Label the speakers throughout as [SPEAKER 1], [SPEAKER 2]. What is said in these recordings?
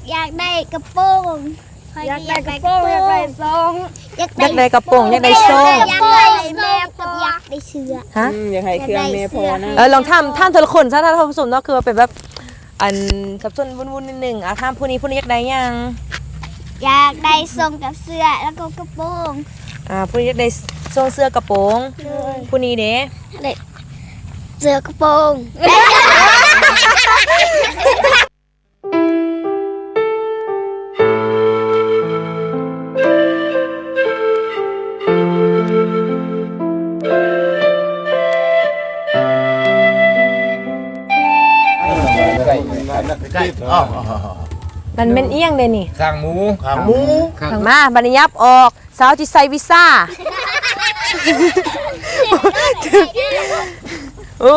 [SPEAKER 1] อยากได้กระโปรงอยากได้กระโปรงอยากได้ซอง
[SPEAKER 2] อยากได้กระโปรงอยากได้ซอง
[SPEAKER 1] อยากได้แม่กับอยากได้เสื้อ
[SPEAKER 2] ฮะ
[SPEAKER 3] อยากให้เครื่องแม่พอนะ
[SPEAKER 2] ลองทำแต่ละคนซะถ้าท่านผู้ชมเนาะคือเป็นแบบอันสับสนวุ่นๆนิดนึงทำผู้นี้อยากได้ยัง
[SPEAKER 1] อยากได้ทรงกับเสื้อแล้วก็กระโปรง
[SPEAKER 2] ผู้นี้อยากได้ทรงเสื้อกระโปรงผู้นี้เด้
[SPEAKER 1] เสื้อกระโปรง
[SPEAKER 2] มันเป็นเอี้ยงเลยนี่
[SPEAKER 4] ข้างหมู
[SPEAKER 2] มาบันยับออกสาวจิใส่วีซ่าโอ้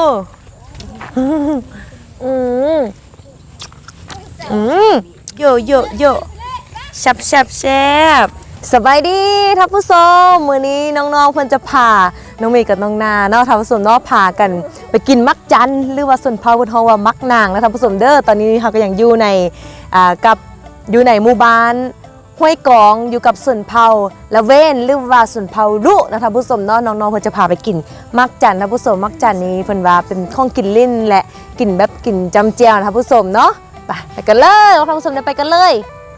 [SPEAKER 2] โยแซ่บสบายดีท่านผู้ชมมื้อนี้น้องๆเพิ่นจะพาน้องเมย์กับน้องนาเนาะท่านผู้ชมเนาะพากันไปกินมักจันหรือว่าส่วนเผาเพิ่นเฮาว่ามักนางนะท่านผู้ชมเด้อตอนนี้เฮาก็ยังอยู่ในอยู่ในหมู่บ้านห้วยกองอยู่กับส่วนเผาละเว้นหรือว่าส่วนเผาลุนะท่านผู้ชมเนาะน้องๆเพิ่นจะพาไปกินมักจันท่านผู้ชมมักจันนี้เพิ่นว่าเป็นของกินลิ้นและกินแบบกินจำเจียวท่านผู้ชมเนาะไปกันเลยท่านผู้ชมไปกันเลย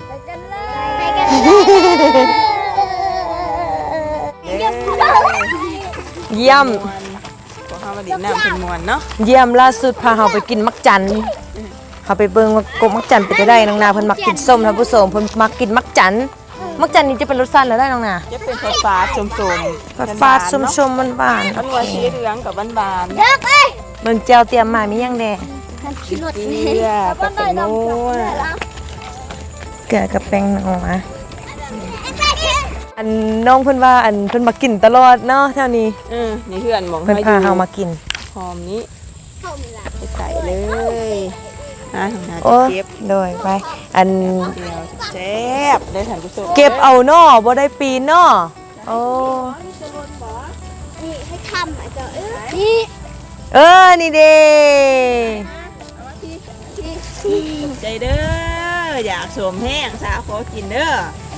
[SPEAKER 2] เยี่ยม
[SPEAKER 3] พอเข้ามาดินน้ำเป็นมวนเนาะ
[SPEAKER 2] เยี่ยมล่าสุดพาเฮาไปกินมักจันเขาไปเบิ่งว่ากบมักจันเป็นจะได้น้องนาเพิ่นมักกินส้มท่านผู้ชมเพิ่นมักกินมักจันนี่จะเป็นรสชาติแล้วได้น้องนา
[SPEAKER 3] จะเป็นฟ้าๆส้มๆ
[SPEAKER 2] ฟ้าๆส้มๆหวาน
[SPEAKER 3] ๆมันว่าสีเหลืองกับบานๆ
[SPEAKER 2] เบิ่งแจ่วเตรียมมามีหยังแดง
[SPEAKER 3] เกลือกับแตงโม
[SPEAKER 2] เกลือกับแป้งนัวอันน้องเพิ่นว่าอันเพิ่นมากินตลอดเนาะแถวนี้
[SPEAKER 3] นี่เพื่อนมอง
[SPEAKER 2] เพิ่นพาเฮามากิน
[SPEAKER 3] หอมนี้ไปใส่เลย
[SPEAKER 2] โอ้เก็บโดยไปอัน
[SPEAKER 3] เจ็บได้ท่านผู้ชม
[SPEAKER 2] เก็บเอาเนาะบ่ได้ปีนเนาะโอ้
[SPEAKER 1] นี่ให้ทำอาจจะนี่
[SPEAKER 2] นี่เด้
[SPEAKER 3] ใจเด้ออยากสวมแห้งสาวขอกินเด้อ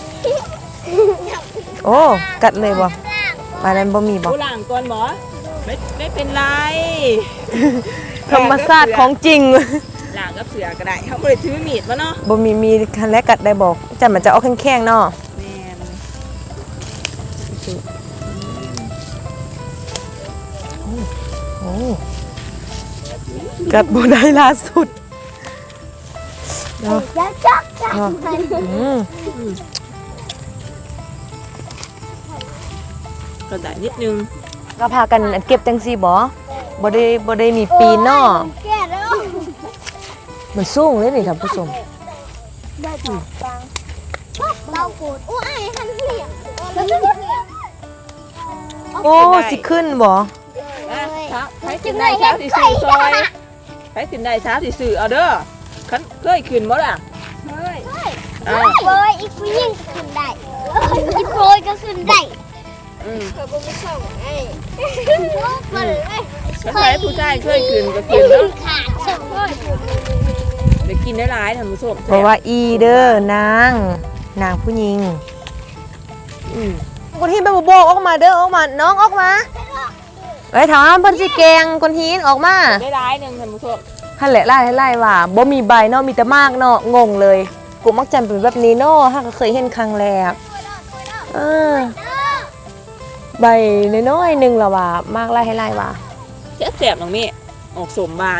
[SPEAKER 2] โอ้กัดเลยบ่มานั้นบ่มีบ่
[SPEAKER 3] ผู้หลังก่อนบ่ไม่เป็นไร
[SPEAKER 2] ธรรมชาติของจริง
[SPEAKER 3] หลังกับเสือก็ได้เขาก็เลยถือมีดมาเนาะ
[SPEAKER 2] บ่มีคันแรกกัดได้บอกจันมันจะเอาแข็งๆเนาะ
[SPEAKER 3] แม่น
[SPEAKER 2] โอ้กัดบ่ได้ล่าสุดเนาะ
[SPEAKER 3] ก็ได้นิดนึง
[SPEAKER 2] ก็พากันเก็บจังซี่บ่ได้มีปีนเนาะมันสูงเลยนี่ท่านผู้ชม
[SPEAKER 1] เราโกรธโอ้ยหันเหลี่ยม
[SPEAKER 2] โอ้สิขึ้นบ่
[SPEAKER 3] ไปถึงได้เช้าที่สื่อซอยไปถึงได้เช้าที่สื่อเอาเด้อเคยขึ้นบ่ล่ะ
[SPEAKER 1] โปรยอีกผู้หญิงก็ขึ้นได้อีโปรยก็ขึ้นได้เคยบุ้งส่งไอ้
[SPEAKER 3] เคยผู้ชายเคยขึ้นก็ขึ้นเนาะไปกินได้หลายท่านผู้ชม
[SPEAKER 2] เพราะว่าอีเด้อนางผู้หญิงคนที่ไปโบกออกมาเด้อออกมาน้องออกมาไปถามเพิ่นสิแกงคนหินออกมา
[SPEAKER 3] ได้หลายนึงท่านผู้ชม
[SPEAKER 2] หั่นแหละไล่ว่าบ่มีใบเนาะมีแต่มากเนาะงงเลยกูมักจันเป็นแบบนี้เนาะถ้าก็เคยเห็นครั้งแรกใบน้อยๆนึงล่ะว่ามากไล่ว่า
[SPEAKER 3] แซ่บๆน้องเมฆออกสมบาน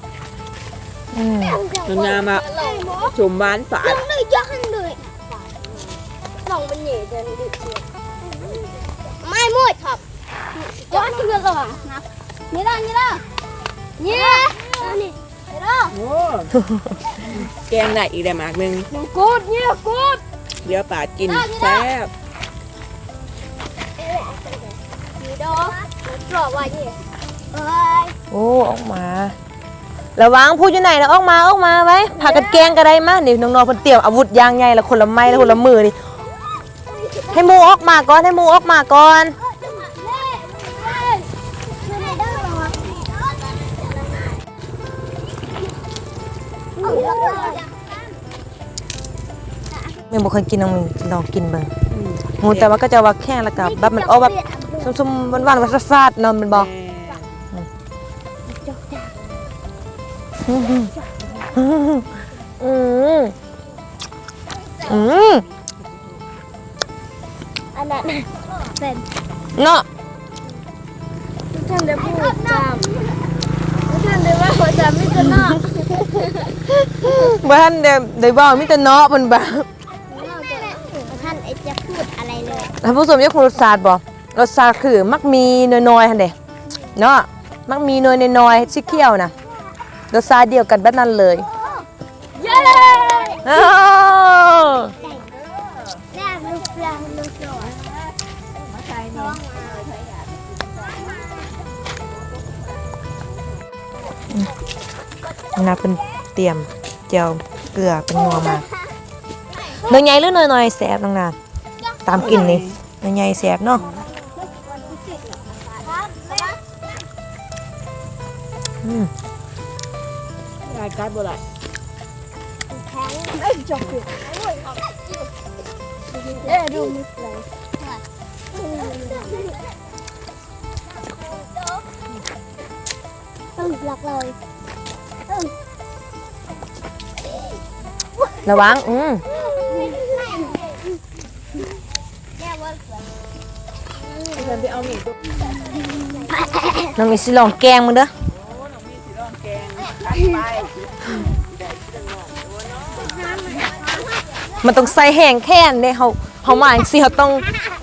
[SPEAKER 3] งามอ่ะสมบานฝาด
[SPEAKER 1] เลยยักษ์เลยลองเป็นเหย่เดินดิไม่มุ่ยครับย้อนที่เรือหรอนะนี่ละนี่นี่ละ
[SPEAKER 3] แกงได้อีกได้มากนึง
[SPEAKER 1] กูดเนี่ยกูด
[SPEAKER 3] เดี๋ยวป่ากินแซ่บ
[SPEAKER 1] นี่ดอกกรอบว่าเนี่ย
[SPEAKER 2] โอ้ออกมาระวังพูดอยู่ไหนนะออกมาไว้พากันแกงก็ได้มานี่น้องๆเพิ่นเตรียมอาวุธยางใหญ่ละคนละไม้ละคนละมือนี่ให้หมูออกมาก่อนแม่บ่เคยกินน้องมีลองกินเบิ่งงูแต่ว่าก็จะว่าแข็งแล้วก็แบบมันออกแบบส้มๆหวานๆว่าซาดๆเนาะมันบ่อืมอืม
[SPEAKER 1] อันนั้นเป็น
[SPEAKER 2] เนาะ
[SPEAKER 1] ท่านได้พูดจำท่านได้ว่าหัวจำไม่จะนอก
[SPEAKER 2] บ่ทันได้เว้ามีแต่เนาะเพิ่นบ่า
[SPEAKER 1] ท่านจะพูดอะไรเลย
[SPEAKER 2] ท่านผู้ชมอยากรู้รสชาติบ่รสชาติคือมักมีน้อยๆหั่นเด้เนาะมักมีน้อยๆสีเขียวน่ะรสชาติเดียวกันแบบนั้นเลย
[SPEAKER 1] เย้
[SPEAKER 2] อ้าว
[SPEAKER 1] แม่ลูกปลาลูกหลอดมาใส่น้อง
[SPEAKER 2] นะเป็นเตรียมเจียวเกลือเป็นนัวมาเนยใหญ่หรือเนยน้อยแซ่บน้องนาตามกินนี่เนยใหญ่แซ่บเนาะอืม
[SPEAKER 3] รายการบ่ได้
[SPEAKER 1] ดูมิดเลยหลักเลย
[SPEAKER 2] ระวัง
[SPEAKER 3] ฉันไปเอาหมี่ตุ๊ก
[SPEAKER 2] น้องมีสิลองแกงมึงเด้อ
[SPEAKER 3] โอ้น้องมีสีร้อนแกงไป
[SPEAKER 2] มันต้องใส่แห้งแค่นเด้เขามาจังซี่เขาต้อง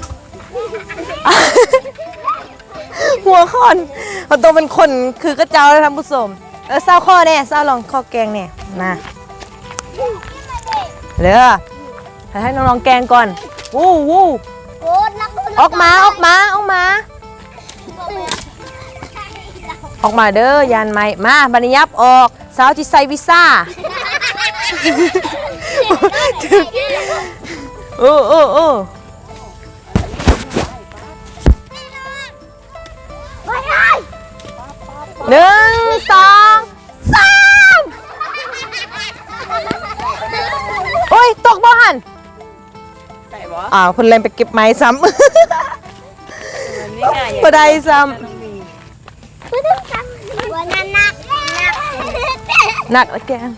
[SPEAKER 2] หัวคนเขาต้องเป็นคนคือกระเจ้าเลยท่านผู้ชมเศร้าข้อแน่เศร้าลองข้อแกงแน่นะเด้อให้น้องๆแกงก่อนวู้วู้
[SPEAKER 1] โคตรนัก
[SPEAKER 2] ออกมาเด้อยานไม้มาบัดนยับออกสาวที่ใส่วีซ่าโอ้1 2 3โอ้ยตกบ่หัน
[SPEAKER 3] ไก่บ่
[SPEAKER 2] เพิ่นเลยไปเก็บไม้ซ้ำ
[SPEAKER 3] นี่ง่าย
[SPEAKER 2] บ่ได้ซ้
[SPEAKER 1] วันนั้นนัก
[SPEAKER 2] ำหนักละแกง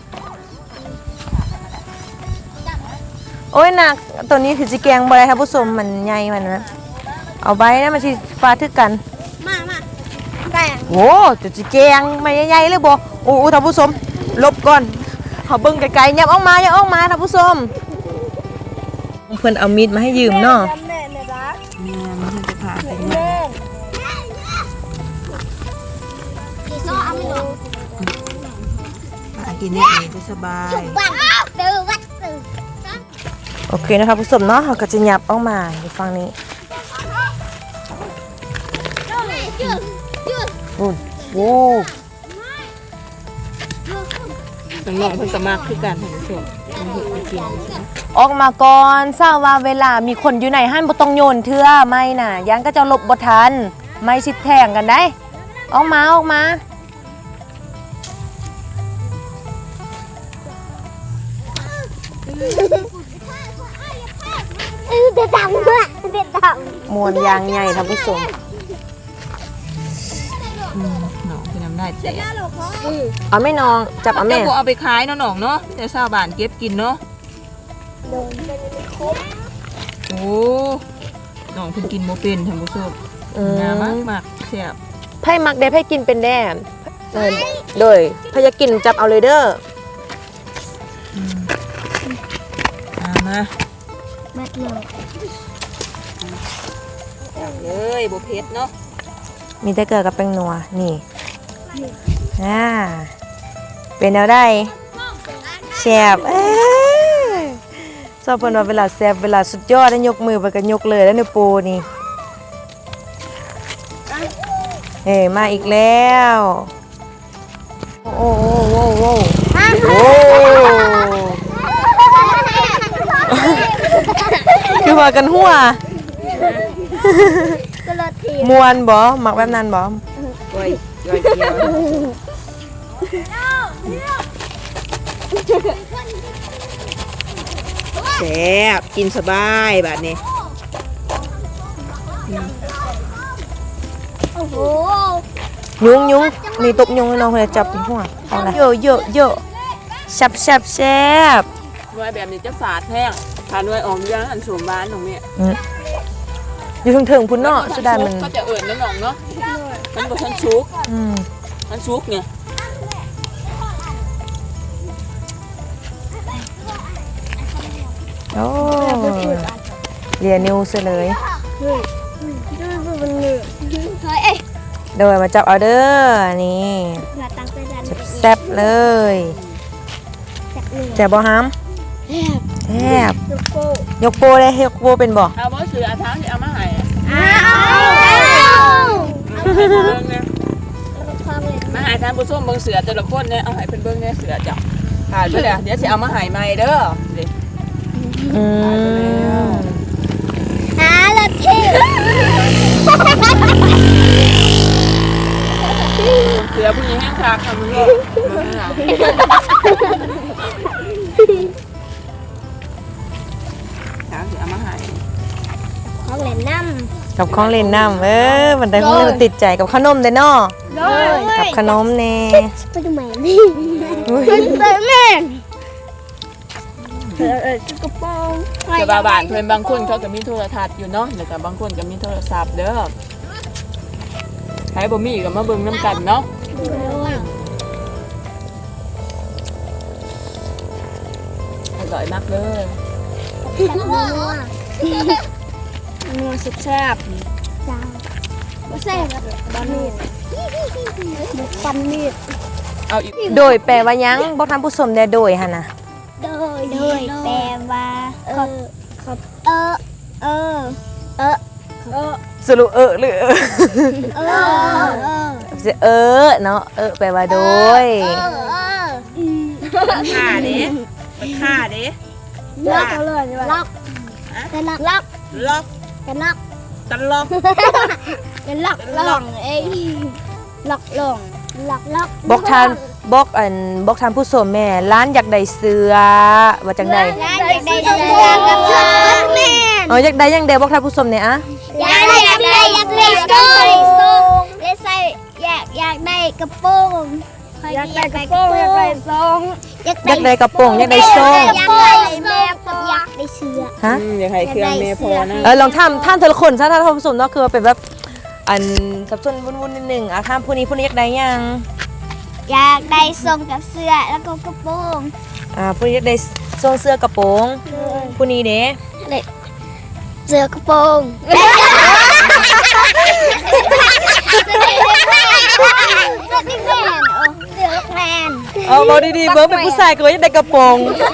[SPEAKER 2] โอ้ยหนักตัวนี้คือสิแกงบ่ได้ท่านผู้ชมมันใหญ่มันนะเอาไว้นะมันสิฟาดทึกกัน
[SPEAKER 1] มาแต่
[SPEAKER 2] โอ้จะสิแกงไม่ใหญ่ๆเลยบ่โอ้ท่านผู้ชมหลบก่อนเขาเบิ่งไกลๆยับออกมาท่านผู้ชมเพิ่นเอามีดมาให้ยืมเนาะ
[SPEAKER 1] จำแน่เลยรัก
[SPEAKER 3] แม่มันจะผ่าไป
[SPEAKER 1] แน่พี่ซ้อเอาไม่ลง
[SPEAKER 3] ผ่ากินเนี่ยจะสบาย
[SPEAKER 1] บังตื่นวัดตื่น
[SPEAKER 2] โอเคนะครับผู้ชมเนาะเขาก็จะยับออกมาอยู่ฝั่งนี้
[SPEAKER 1] ยืด
[SPEAKER 2] โอ้
[SPEAKER 3] น้องๆเพิ่นสมัครคือกันท่านผู้ชมมันเห็นไปกิน
[SPEAKER 2] ออกมาก่อนทราบว่าเวลามีคนอยู่ในห้านบ่ต้องโยนเทื่อไม่น่ะยังก็จะหลบบ่ทันไม่สิแทงกันได้ออกมา
[SPEAKER 1] เด็ดตังด้วยเด็ดตัง
[SPEAKER 2] มวนยางใหญ่ท่านผู้ชม
[SPEAKER 3] น้องคือน้ำได้แต่
[SPEAKER 2] เอาแม่น้องจับเอา
[SPEAKER 3] แม่
[SPEAKER 2] แม่
[SPEAKER 3] บ่เอาไปขายเนาะน้องเนาะแต่ชาวบ้านเก็บกินเนาะ
[SPEAKER 1] โดนเป็นครบ
[SPEAKER 3] โอ้น้องเพิ่นกินบ่เป็นท่านผู้ชมน่ามากแซ่บ
[SPEAKER 2] ไผ่มักได้ไผ่กินเป็นแน่โดยไผ่อยากกินจับเอาเลยเด้อ
[SPEAKER 3] มา
[SPEAKER 1] เม็ดเลย
[SPEAKER 3] เลยบ่เผ็ดเนาะ
[SPEAKER 2] มีแต่เกลือกับแป้งนัวนี่เป็นแนวได้แซ่บชอบเพิ่นว่าเวลาแซ่บเวลาสุดยอดได้ยกมือไปก็ยกเลยแล้วนิ้วโป้นี่มาอีกแล้วโอ้คือว่ากันหัว
[SPEAKER 1] ก็รถที
[SPEAKER 2] มวนบ่มักแบบนั้นบ่
[SPEAKER 3] ก้อยเกี๊ยวแซ่บกินสบายแบบนี้
[SPEAKER 1] โอ้โห
[SPEAKER 2] ยุงนี่ตบยุงให้น้องเพื่อจับหัวเอาละโยแซ่บ
[SPEAKER 3] ด้วยแบบนี้จะฝาดแห้งทานด้วยออมย่างอันสมบ้านของแม่
[SPEAKER 2] อยู่ถึงพุ่นเนาะสุดามัน
[SPEAKER 3] ก็จะเอิ่นน้ำหนองเนาะมันบ่ทันชุกมันชุกเนี่ย
[SPEAKER 2] โอ้เรียนนิวซะเลย
[SPEAKER 1] เฮ้ยเอ้ย
[SPEAKER 2] โดยมาจับเอาเด้อนี่
[SPEAKER 1] มาตั้งใจดัน
[SPEAKER 2] แซ่บเลยแซ่บบ่ฮัมแซ่บยกโปได้ยกโปเป็นบ่
[SPEAKER 3] เอาบ่ซื้ออาเท้าที่เอามาให้
[SPEAKER 1] อ้าว
[SPEAKER 3] เอาให้เบิ่งเนี่ยมาให้ทานผู้ชมเบิ่งเสือแต่ละคนเนี่ยเอาให้เพิ่นเบิ่งเนี่ยเสือจ้ะถ่ายไปแล้วเดี๋ยวสิเอามาให้ใหม่เด้อดิ
[SPEAKER 2] อืม
[SPEAKER 1] ละที่
[SPEAKER 3] เสือผู้หญิงแห้งคักค่ะมึงก็เบิ่งนะทางสิเอามาให้
[SPEAKER 1] ของเล่นน้
[SPEAKER 2] กับของเล่นน้ำมันได้มือติดใจกับขนมเด้อเนาะ
[SPEAKER 1] ำ
[SPEAKER 2] กับขนมแน่
[SPEAKER 1] ไปดูแม่นี่ไปแม่กระโปรง
[SPEAKER 3] แต่บาบ้านเพิ่นบางคนเขาก็มีโทรทัศน์อยู่เนาะแล้วก็บางคนก็มีโทรศัพท์เด้อใครบ่มีก็มาเบิ่งนํกันเนาะอร่อยมากเลย
[SPEAKER 1] นัวแซ่บจ้าแซ่บบ้านมีดบุกปันมีด
[SPEAKER 3] เอาอีก
[SPEAKER 2] โดยแปลว่าหยังบอกท่านผู้ชมได้โดยหั่นน่ะ
[SPEAKER 1] โดยแปลว่า
[SPEAKER 2] สรุปหรือ เนาะแปลว่าโดย
[SPEAKER 3] ค่าเด้ค่าเด้
[SPEAKER 1] ล็อกเลยล็อกกันล็อก
[SPEAKER 3] ล็อก
[SPEAKER 1] กันล็อก
[SPEAKER 3] ตลก
[SPEAKER 1] กันล็อกล่องเอ้ยล็อกล่องล็อก
[SPEAKER 2] บอกท่านผู้ชมแม่ร้านอยากได้เสื้อว่าจังได๋
[SPEAKER 1] ร้านอยากได้เสื้อกับเสื้อแม่
[SPEAKER 2] อยากได้ยังไดบอกท่านผู้ชมเนี่ยอะ
[SPEAKER 1] อยากได้อยากได้กระโปรงอยากได้กระโปรงอยากได้ซอง
[SPEAKER 2] อยากได้กระโปรงอยากได้ซอง
[SPEAKER 1] อยากได้แม่กับอยากได้เสื้อ
[SPEAKER 2] ฮะ
[SPEAKER 3] อยากให้เครื่องเมพอนะ
[SPEAKER 2] ลองท่านแต่ละคนซะท่านผู้ชมเนาะคือว่าเป็นแบบอันสับสนวุ่นๆนิดนึงท่านผู้นี้อยากได้ยัง
[SPEAKER 1] อยากได้ทรงกับเสื้อแล้วก็กระโปรง
[SPEAKER 2] ผู้นี้อยากได้ทรงเสื้อกระโปรงผู้นี้เด้
[SPEAKER 1] เสื้อกระโปรงเสื้อแมน
[SPEAKER 2] เอาบอกดีๆเบิร์เป็นผู้ชายก็อยากได้กระโปรง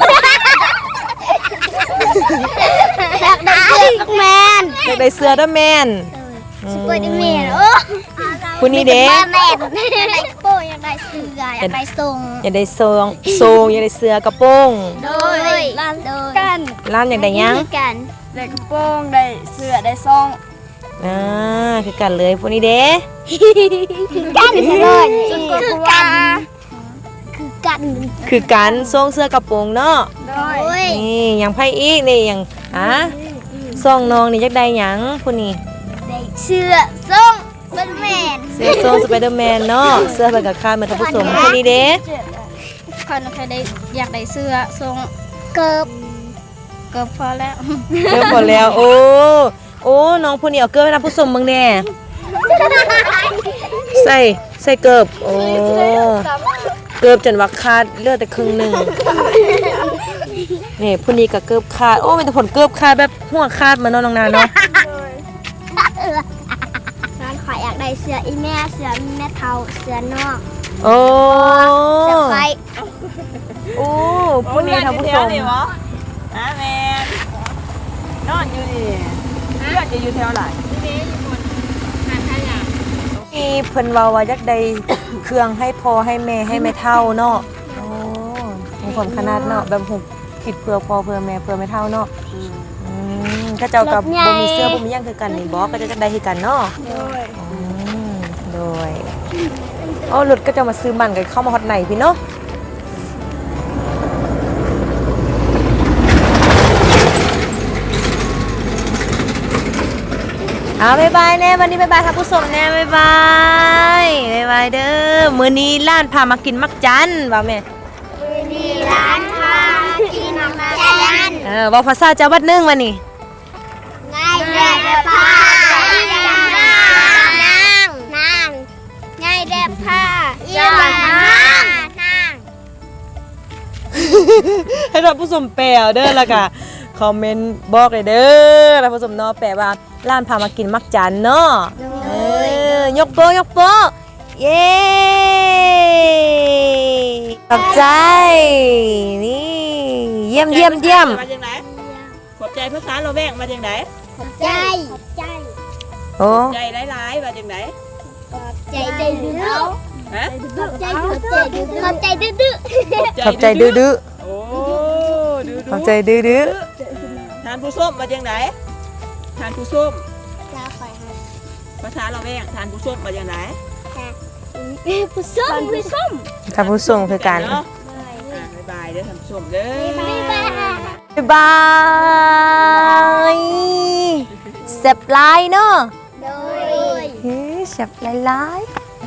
[SPEAKER 1] อยากได้เสื้อแมน
[SPEAKER 2] อยากได้เสื้อเด้อแมน
[SPEAKER 1] สปอยด์แมนโอ้
[SPEAKER 2] ผู้นี้เด้
[SPEAKER 1] แมนอยากได้กระโปรงอยากได้เสื้ออยากได้ทรง
[SPEAKER 2] อยากได้ทรงอยากได้เสื้อกระโปรง
[SPEAKER 1] โดยกัน
[SPEAKER 2] ร้านอยากได้ยัง
[SPEAKER 1] กัน
[SPEAKER 4] ได้กระโปรงได้เสื้อได้ซอง
[SPEAKER 2] คือกันเลยผู้นี้เด้
[SPEAKER 1] กันเลย
[SPEAKER 4] คือกัน
[SPEAKER 1] คือกัน
[SPEAKER 2] คือการทรงเสื้อกระโปรงเนาะ
[SPEAKER 4] โด
[SPEAKER 1] โอ้
[SPEAKER 4] ย
[SPEAKER 1] ย
[SPEAKER 2] นี่อย่างไพ่อีกนี่อย่างซองน้องนี่ยักได้หยังผู้นี้
[SPEAKER 1] ได้เสื้อทรงเป็นแมน
[SPEAKER 2] เสื้อทรงสไปเดอร์แมนเนาะเสื้อเป็นกับข้าเหมือนท่านผู้ชมผู้นี้เด้
[SPEAKER 4] คนเคยได้อยากได้เสื้อทรง
[SPEAKER 1] เกิบ
[SPEAKER 4] ก็พอแล้ว
[SPEAKER 2] เริ่มหมดแล้วโอ้น้องผู้นี้เอาเกิบให้ท่านผู้ชมมึงแน่ใส่เกิบโอ้เกิบจนว่าขาดเลือดแต่ครึ่งหนึ่งนี่ผู้นี้กับเกิบขาดโอ้เป็นแต่ผลเกิบขาดแบบหัวขาดมาเนาะน้องนาเนาะ
[SPEAKER 1] ร้านขายอยากได้เสื้ออีแม่เสื้อแม่เทาเสื้อนอก
[SPEAKER 2] โอ้
[SPEAKER 1] เสื้อไฟ
[SPEAKER 2] โอ้ผู้นี้ท่านผู้ชม
[SPEAKER 3] นี่วะแมนนอนอยู่นี่เพื่อนจะอยู่แถวไหน
[SPEAKER 2] มีเพิ่นเว้าว่าอยากได้เครื่องให้พ่อให้แม่ให้แม่เฒ่าเนาะโอ้มีผลขนาดเนาะแบบหุบคิดเพื่อพ่อเพื่อแม่เพื่อแม่เฒ่าเนาะถ้าเจ้ากับบ่มีเสื้อบ่มีหยังคือกันนี่บ่ก็จะได้คือกันเนาะโดยรถก็จะมาซื้อมันกันเข้ามาฮอดไหนพี่เนาะบ๊ายบายแน่วันนี้บ๊ายบายท่านผู้ชมแน่บ๊ายบายบ๊ายบายเด้อมื้อนี้ร้านพามากินมักจันว่าแม่
[SPEAKER 1] มีร้านพากินมักจัน
[SPEAKER 2] ว่าภาษาเจ้าบัดนึงวันนี้
[SPEAKER 1] ง่ายแด่พาอีหยังนางง่ายแด่พาอีหยังนาง
[SPEAKER 2] ให้ท่านผู้ชมแปลเอาเด้อแล้วก็คอมเมนต์บอกเลยเด้อท่านผู้ชมเนาะแปลว่าร้านพามากินมักจันเนาะยกโปะยกโปะเย้ขอบใจนี่เยี่ยมเยี่ยมเยี่ยม
[SPEAKER 3] มาจากไหนขอบใจภาษาเราแวงมาจากไหน
[SPEAKER 1] ใจ
[SPEAKER 2] โอ้
[SPEAKER 3] ใจหลายๆมาจากไหน
[SPEAKER 1] ใจดื้อ
[SPEAKER 3] ฮะ
[SPEAKER 1] ขอบใจดื้อ
[SPEAKER 2] ขอบใจดื้อ
[SPEAKER 3] โอ้ดื้อ
[SPEAKER 2] ขอบใจดื้อ
[SPEAKER 3] ทานผู้ส้มมาจากไหนทานผู้ส้ม
[SPEAKER 1] ลาคอยให้
[SPEAKER 3] ภาษาเราแวงทานผู้ส้มมาจากไหน
[SPEAKER 1] ผู้ส้ม
[SPEAKER 2] ท่านผู้ชมคือกัน
[SPEAKER 3] เนาะบ๊ายบายเด้อทานผู้ส้มเด้อ
[SPEAKER 2] บ๊ายบายเซ็บไลน์เนาะ
[SPEAKER 1] โดย
[SPEAKER 2] เฮ้ยเซ็บไลน์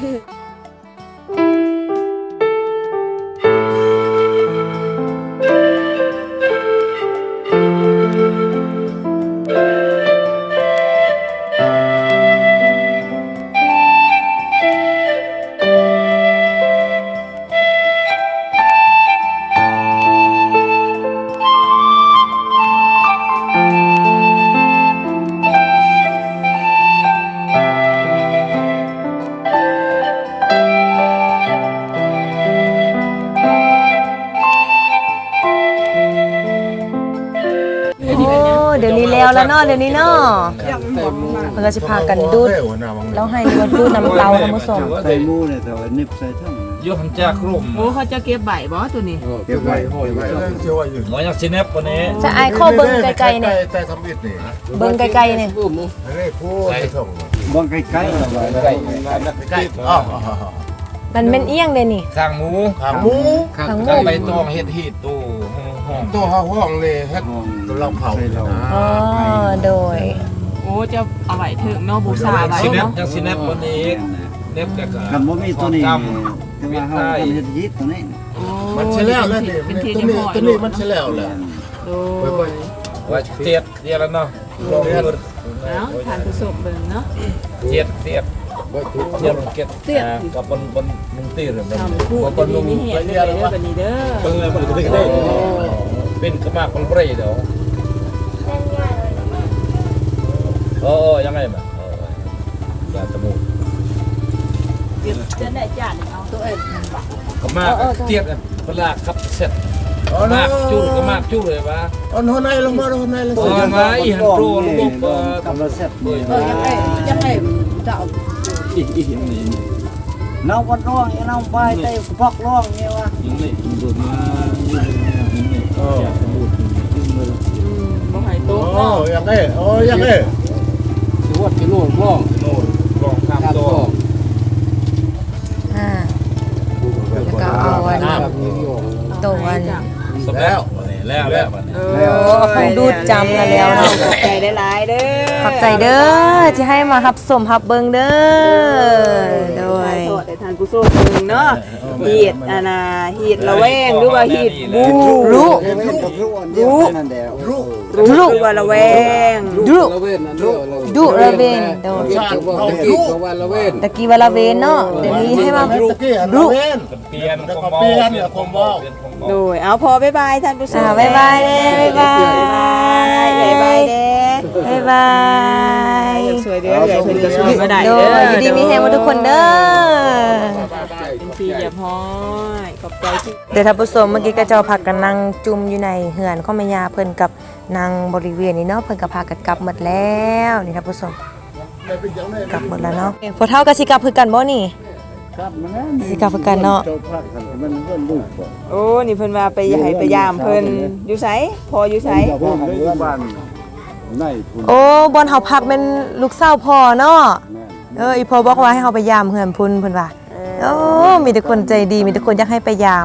[SPEAKER 2] เดี๋ยวนี้แล้วเนาะเดี๋ยวนี้เนาะเพิ่นก็สิพากันดูดแล้วให้นี่ว่าดูดน้ำเตาท่านผู้ชม
[SPEAKER 5] ใส่หมูเนี่ยแต่ว่านิบใส่ทั้ง
[SPEAKER 6] ยกหันจากกลุ่ม
[SPEAKER 3] โอ้เขาจะเก็บใบบอตัวนี้
[SPEAKER 5] เก็บไว้ห้อยไว้
[SPEAKER 6] หมออยากซิเนปวันนี้
[SPEAKER 2] จะอายข้อเบิ่งไกลๆเนี่ย
[SPEAKER 7] แต่ทำอิดนี่
[SPEAKER 2] เบิ่งไกลๆเนี่ย
[SPEAKER 7] อันนี้ผู้ไปส่ง
[SPEAKER 5] บางใกล้ๆเอาไว้
[SPEAKER 7] ใกล้อ๋อ
[SPEAKER 2] มันเป็นเอียงเด้นี่
[SPEAKER 6] ข้างหมู
[SPEAKER 7] ขางหมู
[SPEAKER 2] ข้างหมู
[SPEAKER 6] ข้างใบตองเฮ็ดฮีดตู้ห้อง
[SPEAKER 7] ตัวห้องเลยฮะเราเผา
[SPEAKER 2] อ๋อโดย
[SPEAKER 3] โอ้จะเอาไว้ถึงเนาะบูชาไว้
[SPEAKER 6] ซิเนป
[SPEAKER 3] เนาะ
[SPEAKER 6] ยังซิเนปวันนี้เนปกับ
[SPEAKER 5] กันบ่มีตัวนี้แต่ว่าเฮาต้องเฮ็ดยิดตัวนี้
[SPEAKER 7] มันใช่แล้วแล้วนี่
[SPEAKER 3] เป็นที
[SPEAKER 7] ตัว
[SPEAKER 3] จะ
[SPEAKER 7] นี้
[SPEAKER 3] ห่อ
[SPEAKER 7] ตัวนี้มันใช่แล้วแหละ
[SPEAKER 3] โด
[SPEAKER 6] ว่าเทียดเดียวแล้วเนาะลองดู
[SPEAKER 3] เนาะทานผู้ส้มเบิ่งเนาะ
[SPEAKER 6] เทียดเทียดเก็ดกับบนมุงตีหรือ
[SPEAKER 3] ทำพูด
[SPEAKER 6] บน
[SPEAKER 3] ดี
[SPEAKER 6] มุง
[SPEAKER 3] มีเหตุเลยเด้อบัดนี้เด้อ
[SPEAKER 6] เป็นกระมากคนเปรย์เดี๋ยวโอ้ยังไงมาอย่าตะมู
[SPEAKER 3] จะได้จานเอาตัวเอง
[SPEAKER 6] กระมากเทียดเวลาขับเสร็จ
[SPEAKER 7] อ๋อ
[SPEAKER 6] มากจุ้กระมากจุ้เลยวะ
[SPEAKER 7] อ๋อหัวในลงมาหัวในลง
[SPEAKER 6] โอ้
[SPEAKER 7] มา
[SPEAKER 6] มาอีหันโปรระบบ
[SPEAKER 5] กำลังเสร็จ
[SPEAKER 3] ยังไงจะเอา
[SPEAKER 6] อีหินนี่
[SPEAKER 5] น้องก็ร้องน้องไปเตะพอกร้องนี่วะ
[SPEAKER 6] ยังไงดูมา
[SPEAKER 3] บ่ให้โต๊ะ
[SPEAKER 7] โอ้
[SPEAKER 3] เนาะ
[SPEAKER 7] ยังไงโอ้ยังไง
[SPEAKER 6] ถือว่ากิโลกล้องโน่นกล้องข้ามตัว
[SPEAKER 2] อ่าแล้วก็เอาอันตัวอัน
[SPEAKER 6] สำแล้วแล้ววันนี้
[SPEAKER 2] คงดูดจำกันแล้วเนาะ
[SPEAKER 3] ขอบใจได้หลายเด้อ
[SPEAKER 2] ขอบใจเด้อที่ให้มารับสมรับเบิงเด้อโดย
[SPEAKER 3] โทษแต่ทานผู้ส้มเบิ่งเนาะฮีดอันน่ะฮีดระแวงหรือว่าฮีดบู
[SPEAKER 2] รู้
[SPEAKER 5] นั่นแหละ
[SPEAKER 7] รู้
[SPEAKER 3] รู้หรือว่าระแวง
[SPEAKER 2] ดุ
[SPEAKER 7] รู้
[SPEAKER 2] ดุระเวนโดย
[SPEAKER 7] ชาติเขารู้
[SPEAKER 2] ตะกี้วาละเวนเนาะเดี๋ยวนี้ให้มา
[SPEAKER 7] ตะกี้
[SPEAKER 2] รู้
[SPEAKER 7] เวน
[SPEAKER 6] เปลี่ยนของเบาเปลี่ยนของเบา
[SPEAKER 3] โดยเอาพอบ๊ายบายท่านผู้ชม
[SPEAKER 2] บ๊ายบายเด้บ๊ายบาย
[SPEAKER 3] บ๊ายบายเด้
[SPEAKER 2] บ๊ายบาย
[SPEAKER 3] สวยเด้อเพิ่นก็สวยบ่ได้
[SPEAKER 2] โด
[SPEAKER 3] เด้
[SPEAKER 2] ย
[SPEAKER 3] อ
[SPEAKER 2] อยู่ดีมีแฮงหมดทุกคนเด้อ
[SPEAKER 3] เป็นปีอย่าพ้อยขอบใจที่
[SPEAKER 2] เดี๋ยวท่านผู้ชมเมื่อกี้ก็เจ้าพักกันนั่งจุ่มอยู่ในเหือนข้อมายาเพิ่นกับนางบริเวณนี้เนาะเพิ่นก็พากันกลับหมดแล้วนี่ท่านผู้ชมกลับหมดแล้วเนาะพอเท่ากับสิกลับคือกันบ่นี่
[SPEAKER 5] ครับมันนั่น
[SPEAKER 2] สิกลับคือกันเนาะ
[SPEAKER 5] เจ้าพักกันมันเพิ่นลูกบ่
[SPEAKER 3] โอ้นี่เพิ่นว่าไปให้ไปยามเพิ่นอยู่ไสพออยู่ไส
[SPEAKER 5] เจ้าพักกันอยู่บ้านในพุ่น
[SPEAKER 2] โอ้บอนเฮาพักเป็นลูกสาวพ่อเนาะ
[SPEAKER 5] แม่น
[SPEAKER 2] อีพ่อบอกว่าให้เฮาไปยามเฮือนพุ่นเพิ่นว่าโอ้มีแต่คนใจดีมีแต่คนอยากให้ไปยาม
[SPEAKER 5] พ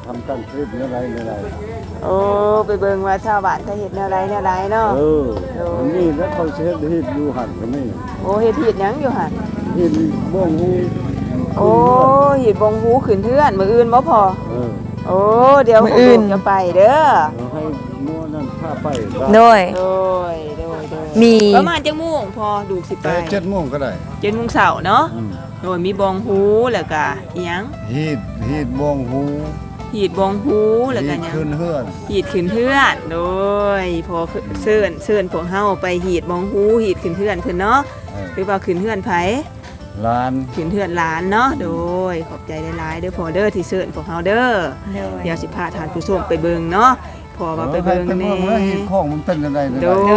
[SPEAKER 5] ำตั้งคลิปเนื้อไรเนื้อไร
[SPEAKER 3] โอ้ไปเบิ่งว่าชาวบ้านเขาเฮ็ดแนวใดเนาะ
[SPEAKER 5] มันนี่แล้วเขาเช็ดฮิตอยู่หันก็นี่
[SPEAKER 3] โอ้เฮ็ดหยังอยู่หั่น
[SPEAKER 5] ฮิตบ้องหู
[SPEAKER 3] โอ้เฮ็ดบงหูขึ้นเทือนมื้ออื่นบ่พอ
[SPEAKER 5] เออ
[SPEAKER 3] โอ้เดี๋ยว
[SPEAKER 2] มื้ออื่น
[SPEAKER 3] จะไปเด้อ
[SPEAKER 5] ให้มัวนั่นพาไป
[SPEAKER 2] โดย
[SPEAKER 3] โดย
[SPEAKER 2] มี
[SPEAKER 3] ประมาณจังโมงพอดูสิไป
[SPEAKER 7] แต่7 โมงก็ได้
[SPEAKER 3] 7 โมงเช้าเนาะโดยมีบองหูแล้วก็อีหยัง
[SPEAKER 7] ฮีดบ้องหู
[SPEAKER 3] หีดบองหูแล้วก็หยัง
[SPEAKER 7] ขึ้นเฮือน
[SPEAKER 3] หีดขึ้นเทือนโดยพอเชิญพวกเฮาไปหีดบองหูหีดขึ้นเทือนขึ้นเนาะหรือว่าขึ้นเทือนไผ
[SPEAKER 5] ร้าน
[SPEAKER 3] ขึ้นเทือนหลานเนาะโดยขอบใจหลายๆเด้อพอเด้อที่เชิญพวกเฮาเด้อ
[SPEAKER 2] โดย
[SPEAKER 3] เดี๋ยวสิพาทานผู้ชมไปเบิ่งเนาะพอว่าไปเบิ่ง
[SPEAKER 5] เป็น
[SPEAKER 3] แน่
[SPEAKER 5] เมืองแล้วฮิตของมันเป็นยังไง
[SPEAKER 3] โด
[SPEAKER 5] เนี่ย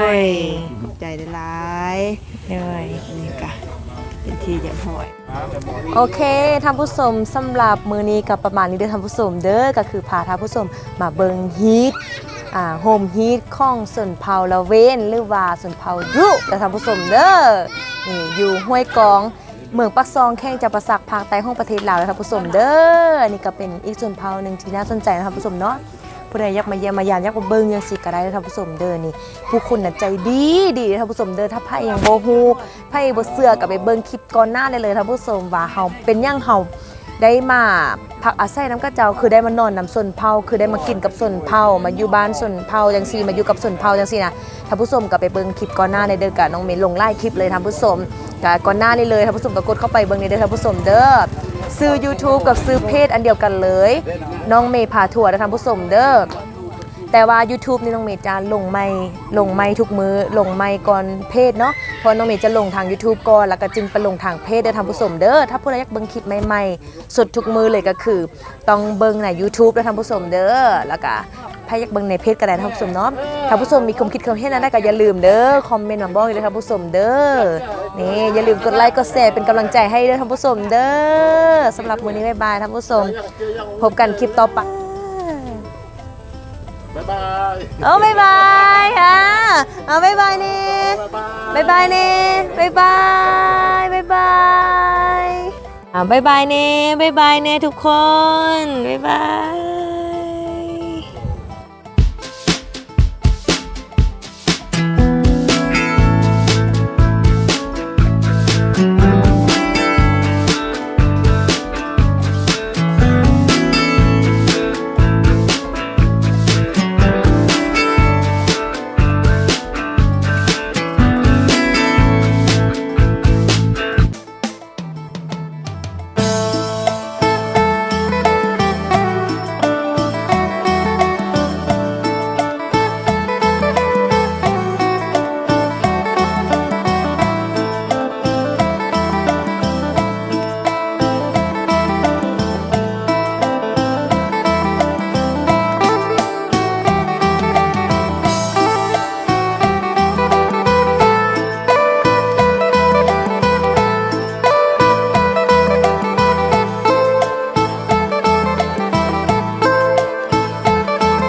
[SPEAKER 3] ยขอบใจหลายๆ
[SPEAKER 2] โดย
[SPEAKER 3] นี่ก็เป็นที่เยี่ยมหอย
[SPEAKER 2] โอเคท่านผู้ชมสำหรับมื้อนี้ก็ประมาณนี้เด้อท่านผู้ชมเด้อก็คือพาท่านผู้ชมมาเบิ่งฮีทโฮมฮีทของชนเผ่าละเวนหรือว่าชนเผ่ายุเด้อท่านผู้ชมเด้อนี่อยู่ห้วยกองเมืองปักซองแข้งจับประสักภาคใต้ของประเทศลาวเด้อท่านผู้ชมเด้อนี่ก็เป็นอีกชนเผ่าหนึงที่น่าสนใจนะท่านผู้ชมเนาะผู้ใดอยากมาเยี่ยมมายามอยากมาเบิ่งจังซี่ก็ได้เด้อท่านผู้ชมเด้อนี่ผู้คนน่ะใจดีดีท่านผู้ชมเด้อถ้าไผยังบ่ฮู้ไผบ่เชื่อก็ไปเบิ่งคลิปก่อนหน้าได้เลยท่านผู้ชมว่าเฮาเป็นหยังเฮาได้มาพักอาศัยน้ำกระเจ้าคือได้มานอนน้ำส่วนเผาคือได้มากินกับส่วนเผามาอยู่บ้านส่วนเผาจังซี่มาอยู่กับส่วนเผาจังซี่นะท่านผู้ชมก็ไปเบิ่งคลิปก่อนหน้าในเด้อกับน้องเมย์ลงไล่คลิปเลยท่านผู้ชมก็ก่อนหน้านี้เลยท่านผู้ชมก็กดเข้าไปเบิ่งในเด้อท่านผู้ชมเด้อซื้อ YouTube กับซื้อเพจอันเดียวกันเลยน้องเมย์พาทัวร์นะท่านผู้ชมเด้อแต่ว่า YouTube นี่น้องเมย์จะลงไม่ทุกมื้อลงไม่ก่อนเพจเนาะเพราะน้องเมย์จะลงทาง YouTube ก่อนแล้วก็จึงไปลงทางเพจเด้อท่านผู้ชมเด้อถ้าผู้ใดอยากเบิ่งคลิปใหม่ๆสดทุกมื้อเลยก็คือต้องเบิ่งใน YouTube เด้อท่านผู้ชมเด้อแล้วก็ถ้าอยากเบิ่งในเพจก็ได้ท่านผู้ชมเนาะท่านผู้ชมมีความคิดความเห็นอะไรก็อย่าลืมเด้อคอมเมนต์มาบอกเลยท่านผู้ชมเด้อนี่อย่าลืมกดไลค์กดแชร์เป็นกำลังใจให้เด้อท่านผู้ชมเด้อสำหรับมื้อนี้บ๊ายบายท่านผู้ชมพบกันคลิปต่อไป
[SPEAKER 7] บ๊ายบาย
[SPEAKER 2] เอาบายบายค่ะเอาบายบายเน่บายบายเน่บายบายบายบายบายบายเน่บายบายเน่ทุกคนบายบาย